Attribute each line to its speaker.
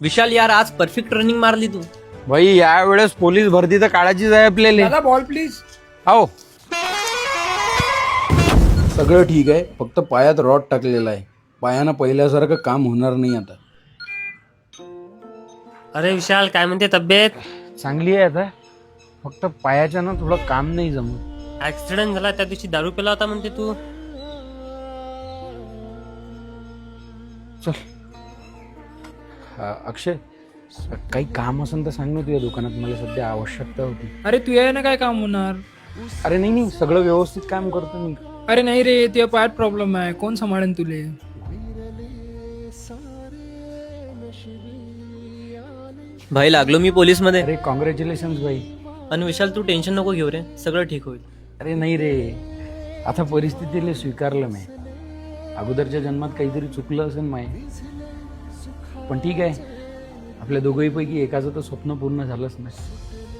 Speaker 1: विशाल यार आज perfect running मारली तू.
Speaker 2: भाई यावेळेस पोलीस भरती तर काढायचीच आहे आपल्याला.
Speaker 3: दादा बॉल प्लीज.
Speaker 2: हो
Speaker 4: सगळं ठीक आहे, फक्त पायात रॉड टाकलेला आहे. पायानं पहिल्यासारखं काम होणार नाही आता.
Speaker 5: अरे विशाल काय म्हणते तब्येत?
Speaker 2: चांगली आहे आता, फक्त पायाच्या ना थोडं काम नाही जमत.
Speaker 5: ऍक्सिडेंट झाला त्या दिवशी दारू पिला होता म्हणते तू.
Speaker 2: चल अक्षय, काही काम असेल तर सांग ना तुझ्या दुकानात, मला सध्या आवश्यकता होती.
Speaker 3: अरे तू आहे ना, काय काम होणार?
Speaker 2: अरे नाही नाही, सगळं व्यवस्थित काम करतो मी.
Speaker 3: अरे नाही रे, तुझ्या पायात प्रॉब्लेम आहे, कोण सांभाळेन तुले?
Speaker 1: भाई लागलो मी पोलीस मध्ये.
Speaker 2: अरे कॉंग्रॅच्युलेशन भाई.
Speaker 1: आणि विशाल तू टेन्शन नको घेऊ रे, सगळं ठीक होईल.
Speaker 2: अरे नाही रे, आता परिस्थितीला स्वीकारलं मी. अगोदरच्या जन्मात काहीतरी चुकलं असेल माय, पण ठीक आहे, आपल्या दोघहीपैकी एकाचं तर स्वप्न पूर्ण झालंच नाही.